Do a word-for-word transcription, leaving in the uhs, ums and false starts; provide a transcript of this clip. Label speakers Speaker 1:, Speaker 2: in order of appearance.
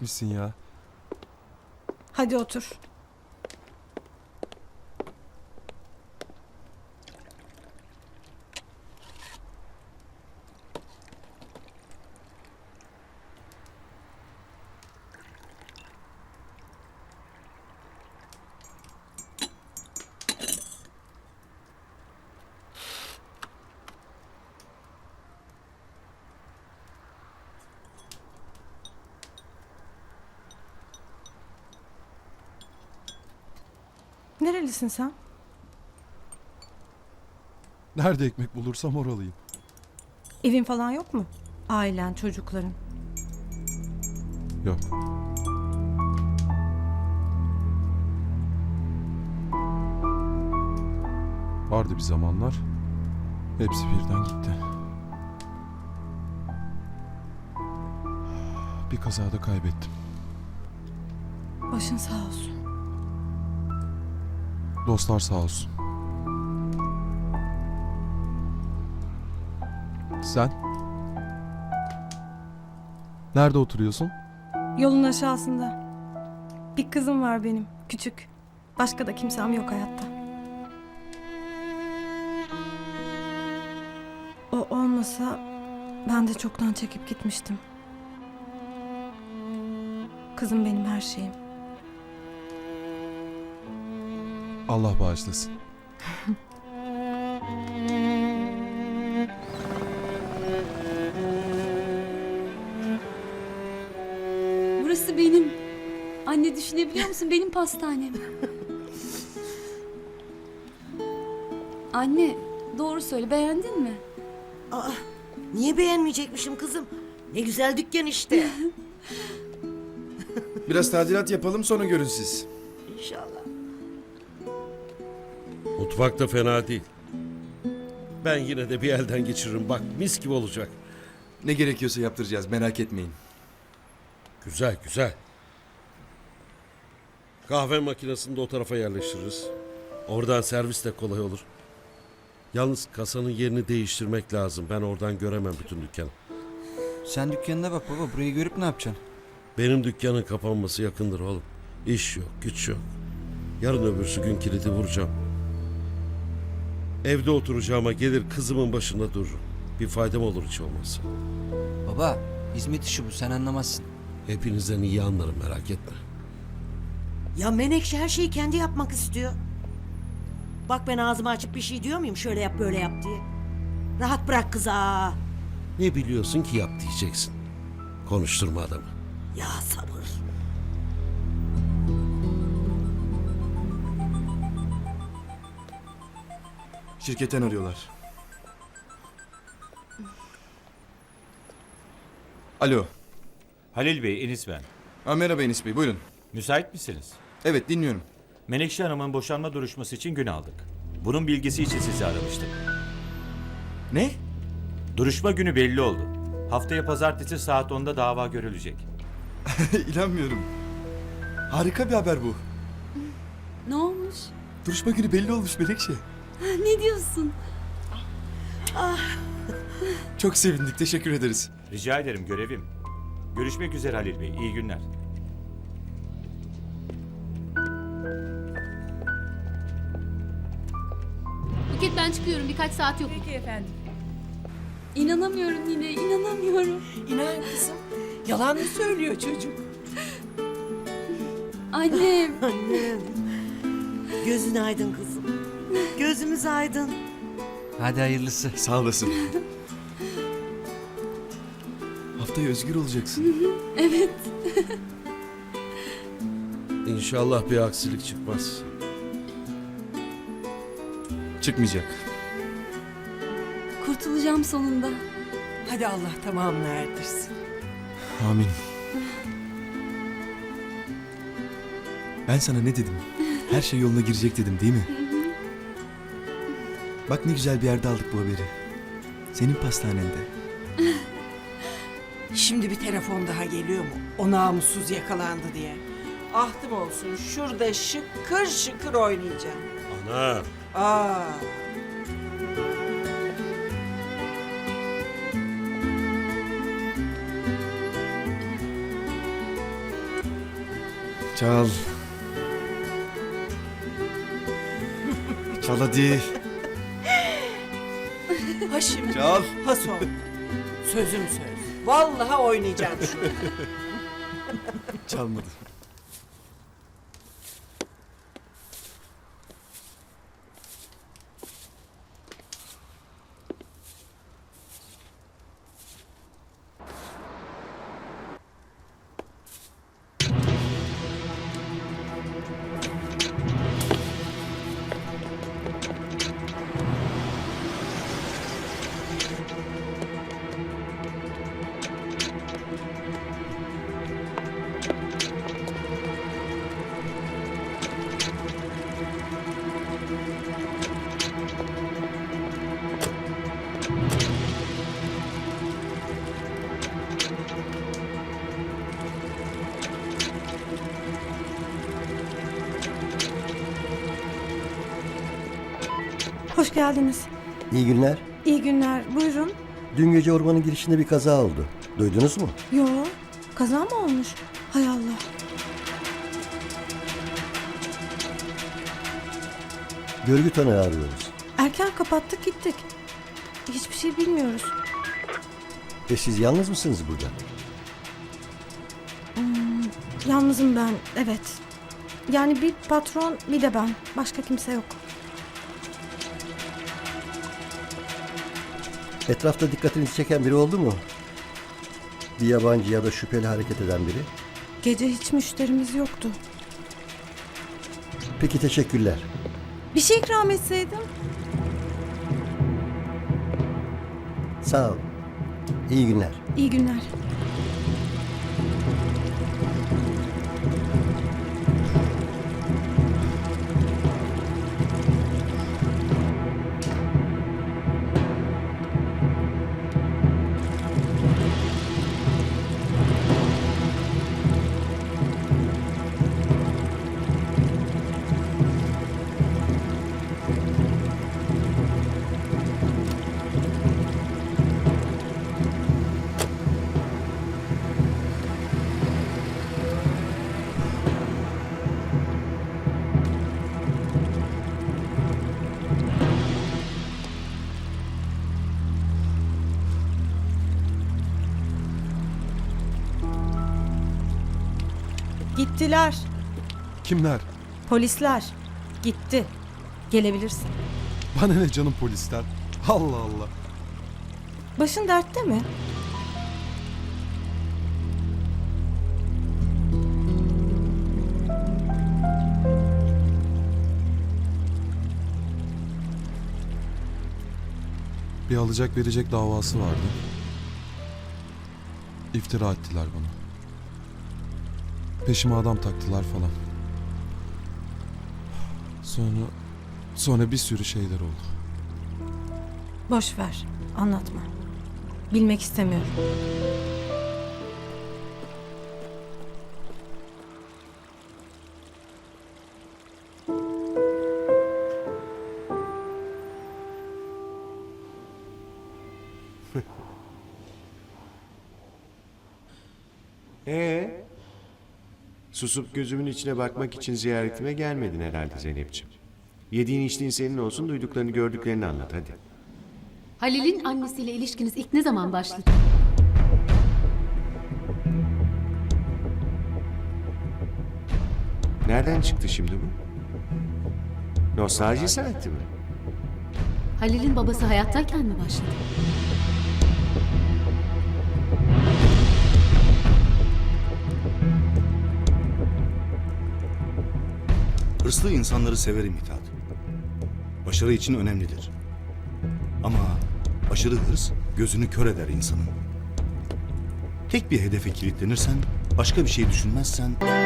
Speaker 1: etmişsin ya.
Speaker 2: Hadi otur. Nerelisin sen?
Speaker 1: Nerede ekmek bulursam oralıyım.
Speaker 2: Evin falan yok mu? Ailen, çocukların.
Speaker 1: Yok. Vardı bir zamanlar. Hepsi birden gitti. Bir kazada kaybettim.
Speaker 2: Başın sağ olsun.
Speaker 1: Dostlar sağ olsun. Sen? Nerede oturuyorsun?
Speaker 2: Yolun aşağısında. Bir kızım var benim, küçük. Başka da kimsem yok hayatta. O olmasa ben de çoktan çekip gitmiştim. Kızım benim her şeyim.
Speaker 1: Allah bağışlasın.
Speaker 3: Burası benim. Anne düşünebiliyor musun? Benim pastanem. Anne, doğru söyle. Beğendin mi?
Speaker 4: Aa, niye beğenmeyecekmişim kızım? Ne güzel dükkan işte.
Speaker 5: Biraz tadilat yapalım sonra görün siz.
Speaker 4: İnşallah.
Speaker 6: Mutfak da fena değil. Ben yine de bir elden geçiririm. Bak mis gibi olacak.
Speaker 5: Ne gerekiyorsa yaptıracağız, merak etmeyin.
Speaker 6: Güzel güzel. Kahve makinesini de o tarafa yerleştiririz. Oradan servis de kolay olur. Yalnız kasanın yerini değiştirmek lazım. Ben oradan göremem bütün dükkanı.
Speaker 7: Sen dükkanına bak baba. Burayı görüp ne yapacaksın?
Speaker 6: Benim dükkanın kapanması yakındır oğlum. İş yok, güç yok. Yarın öbürsü gün kilidi vuracağım. Evde oturacağıma gelir kızımın başında dururum. Bir faydam olur hiç olmazsa.
Speaker 7: Baba, hizmet işi bu. Sen anlamazsın.
Speaker 6: Hepinizden iyi anlarım merak etme.
Speaker 4: Ya Menekşe her şeyi kendi yapmak istiyor. Bak ben ağzımı açıp bir şey diyor muyum şöyle yap böyle yap diye. Rahat bırak kızı aa.
Speaker 6: Ne biliyorsun ki yap diyeceksin. Konuşturma adamı.
Speaker 4: Ya sabır.
Speaker 5: Şirketten arıyorlar. Alo.
Speaker 8: Halil Bey, Enis ben.
Speaker 5: Ha, merhaba Enis Bey, buyurun.
Speaker 8: Müsait misiniz?
Speaker 5: Evet, dinliyorum.
Speaker 8: Menekşe Hanım'ın boşanma duruşması için gün aldık. Bunun bilgisi için sizi aramıştık.
Speaker 5: Ne?
Speaker 8: Duruşma günü belli oldu. Haftaya pazartesi saat onda dava görülecek.
Speaker 5: İnanmıyorum. Harika bir haber bu.
Speaker 3: Ne olmuş?
Speaker 5: Duruşma günü belli olmuş Melekşe.
Speaker 3: Ne diyorsun?
Speaker 5: Çok sevindik, teşekkür ederiz.
Speaker 8: Rica ederim, görevim. Görüşmek üzere Halil Bey, iyi günler.
Speaker 9: Buket ben çıkıyorum birkaç saat yok.
Speaker 10: Peki efendim.
Speaker 3: İnanamıyorum yine, inanamıyorum.
Speaker 10: İnan kızım. Yalan mı söylüyor çocuk?
Speaker 3: Annem.
Speaker 4: Annem. Gözün aydın kızım. Gözümüz aydın.
Speaker 7: Hadi hayırlısı.
Speaker 5: Sağ olasın. Haftaya özgür olacaksın.
Speaker 3: Evet.
Speaker 6: İnşallah bir aksilik çıkmaz.
Speaker 5: Çıkmayacak.
Speaker 3: Kurtulacağım sonunda.
Speaker 10: Hadi Allah tamamını erdirsin.
Speaker 5: Amin. Ben sana ne dedim? Her şey yoluna girecek dedim değil mi? Bak ne güzel bir yerde aldık bu haberi. Senin pastanende.
Speaker 10: Şimdi bir telefon daha geliyor mu? O namussuz yakalandı diye. Ahtım olsun şurada şıkır şıkır oynayacağım.
Speaker 6: Ana.
Speaker 10: Aa.
Speaker 5: Çal. Çal hadi.
Speaker 10: Ha şimdi.
Speaker 5: Çal.
Speaker 10: Ha son. Sözüm söz. Vallahi oynayacağım şunu.
Speaker 5: Çalmadı.
Speaker 2: Hoş geldiniz.
Speaker 11: İyi günler.
Speaker 2: İyi günler. Buyurun.
Speaker 11: Dün gece ormanın girişinde bir kaza oldu. Duydunuz mu?
Speaker 2: Yo, kaza mı olmuş? Hay Allah.
Speaker 11: Görgü tanığı arıyoruz.
Speaker 2: Erken kapattık gittik. Hiçbir şey bilmiyoruz.
Speaker 11: Ve siz yalnız mısınız burada?
Speaker 2: Yalnızım ben, evet. Yani bir patron, bir de ben. Başka kimse yok.
Speaker 11: Etrafta dikkatinizi çeken biri oldu mu? Bir yabancı ya da şüpheli hareket eden biri?
Speaker 2: Gece hiç müşterimiz yoktu.
Speaker 11: Peki, teşekkürler.
Speaker 2: Bir şey ikram etseydim.
Speaker 11: Sağ ol. İyi günler.
Speaker 2: İyi günler. Gittiler.
Speaker 1: Kimler?
Speaker 2: Polisler. Gitti. Gelebilirsin.
Speaker 1: Bana ne canım polisler? Allah Allah.
Speaker 2: Başın dertte mi?
Speaker 1: Bir alacak verecek davası vardı. İftira ettiler bana. Peşime adam taktılar falan. Sonra... Sonra bir sürü şeyler oldu.
Speaker 2: Boş ver. Anlatma. Bilmek istemiyorum.
Speaker 12: Ee, susup gözümün içine bakmak için ziyaretime gelmedin herhalde Zeynep'ciğim. Yediğin içtiğin senin olsun, duyduklarını gördüklerini anlat hadi.
Speaker 9: Halil'in annesiyle ilişkiniz ilk ne zaman başladı?
Speaker 12: Nereden çıktı şimdi bu? Nostalji saati mi?
Speaker 9: Halil'in babası hayattayken mi başladı?
Speaker 13: Hırslı insanları severim Mithat. Başarı için önemlidir. Ama aşırı hırs gözünü kör eder insanın. Tek bir hedefe kilitlenirsen, başka bir şey düşünmezsen